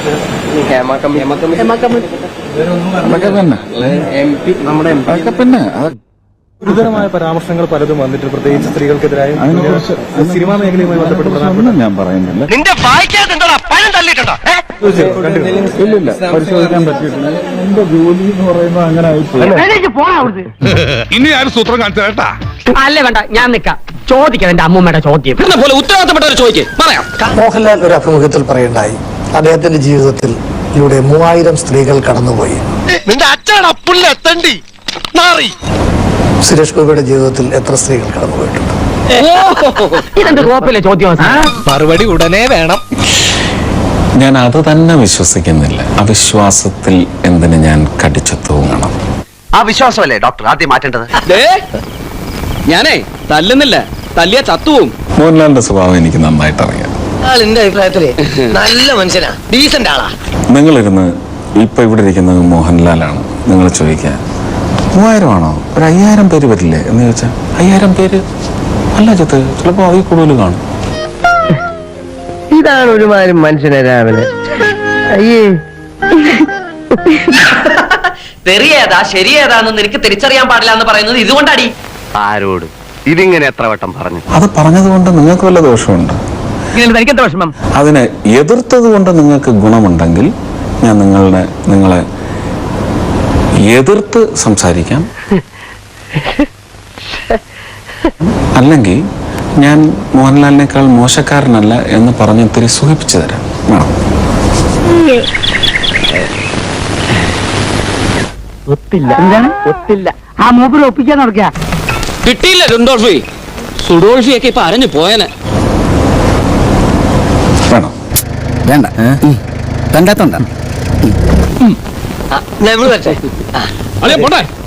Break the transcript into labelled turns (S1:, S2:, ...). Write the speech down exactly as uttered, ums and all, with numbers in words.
S1: പിന്നെ
S2: ഗുരുതരമായ പരാമർശങ്ങൾ പലതും വന്നിട്ട് പ്രത്യേകിച്ച് സ്ത്രീകൾക്കെതിരായ സിനിമാ മേഖലയുമായി ബന്ധപ്പെട്ട്
S1: ഞാൻ പറയുന്നില്ല.
S2: ഇല്ലില്ല, പരിശോധിക്കാൻ പറ്റിയിട്ടില്ല. എന്റെ ജോലി എന്ന് പറയുന്നത് അങ്ങനെ ആയിപ്പോയി.
S3: ഇനി ആരും സൂത്രം കാണിച്ചു കേട്ടാ.
S4: അല്ലേ വേണ്ട, ഞാൻ നിക്കാം. ചോദിക്കാം എന്റെ അമ്മൂമ്മയുടെ ചോദ്യം പോലെ ഉത്തരവാദിത്തപ്പെട്ടവർ ചോദിക്കും. പറയാം.
S5: മോഹൻലാൽ ഒരു അഭിമുഖത്തിൽ പറയുണ്ടായി, അദ്ദേഹത്തിന്റെ ജീവിതത്തിൽ ഇവിടെ മൂവായിരം സ്ത്രീകൾ കടന്നുപോയി.
S3: നിന്റെ അച്ഛനപ്പുള്ളി
S5: സുരേഷ് ഗോപിയുടെ ജീവിതത്തിൽ എത്ര സ്ത്രീകൾ കടന്നുപോയിട്ടുണ്ട്?
S4: ഇതെന്ത് കോപ്പിലെ ചോദ്യം?
S3: മറുപടി ഉടനെ വേണം.
S1: ഞാൻ അത് തന്നെ വിശ്വസിക്കുന്നില്ല. അവിശ്വാസത്തിൽ എന്തിന് ഞാൻ കടിച്ചു തൂങ്ങണം?
S6: ആ വിശ്വാസമല്ലേ ഡോക്ടർ ആദ്യം മാറ്റേണ്ടത്?
S4: ഞാനേ തല്ലുന്നില്ല, തല്ലിയ ചത്തുവും.
S1: മോഹൻലാലിന്റെ സ്വഭാവം എനിക്ക് നന്നായിട്ട് അറിയാം.
S6: എന്റെ അഭിപ്രായത്തില് നല്ല മനുഷ്യനാ, ഡീസന്റ് ആളാ.
S1: നിങ്ങളിരുന്ന് ഇപ്പൊ ഇവിടെ ഇരിക്കുന്നത് മോഹൻലാലാണ്. നിങ്ങൾ ചോദിക്കാൻ മൂവായിരം ആണോ, ഒരു അയ്യായിരം പേര് വരില്ലേ എന്ന് ചോദിച്ചാൽ അയ്യായിരം പേര് അല്ല ചിത്ത്, ചിലപ്പോ അതിൽ കൂടുതൽ കാണും.
S6: ഇതാണ് ഒരുമാതിരി മനുഷ്യനെ രാവിലെ. അയ്യേ,
S4: തെറിയേതാ ശരിയേതാന്ന് നിനക്ക് തിരിച്ചറിയാൻ പാടില്ല എന്ന് പറയുന്നത് ഇതുകൊണ്ടാടി.
S6: ആരോട് ഇതിങ്ങനെ എത്ര വട്ടം പറഞ്ഞു?
S1: അത് പറഞ്ഞതുകൊണ്ട് നിങ്ങൾക്ക് വല്ല ദോഷമുണ്ട്?
S4: എനിക്കെന്താ വിഷമം?
S1: അതിനെ എതിർത്തത് കൊണ്ട് നിങ്ങൾക്ക് ഗുണമുണ്ടെങ്കിൽ ഞാൻ നിങ്ങളുടെ നിങ്ങളെ എതിർത്ത് സംസാരിക്കാം. അല്ലെങ്കിൽ ഞാൻ മോഹൻലാലിനേക്കാൾ മോശക്കാരനല്ല എന്ന് പറഞ്ഞ് ഇത്തിരി സുഖിപ്പിച്ചു തരാം.
S4: ഒത്തില്ല. എന്താണ് ഒത്തില്ല? ആ മൂപ്പര് ഒപ്പിക്കാൻ നടക്കുക. കിട്ടിയില്ല രുണ്ടോൾഫി. സുഡോൾഫിയൊക്കെ ഇപ്പൊ അരഞ്ഞു പോയനെ.
S1: വേണം
S7: വേണ്ട കണ്ടാത്തോണ്ട
S4: പോട്ടെ.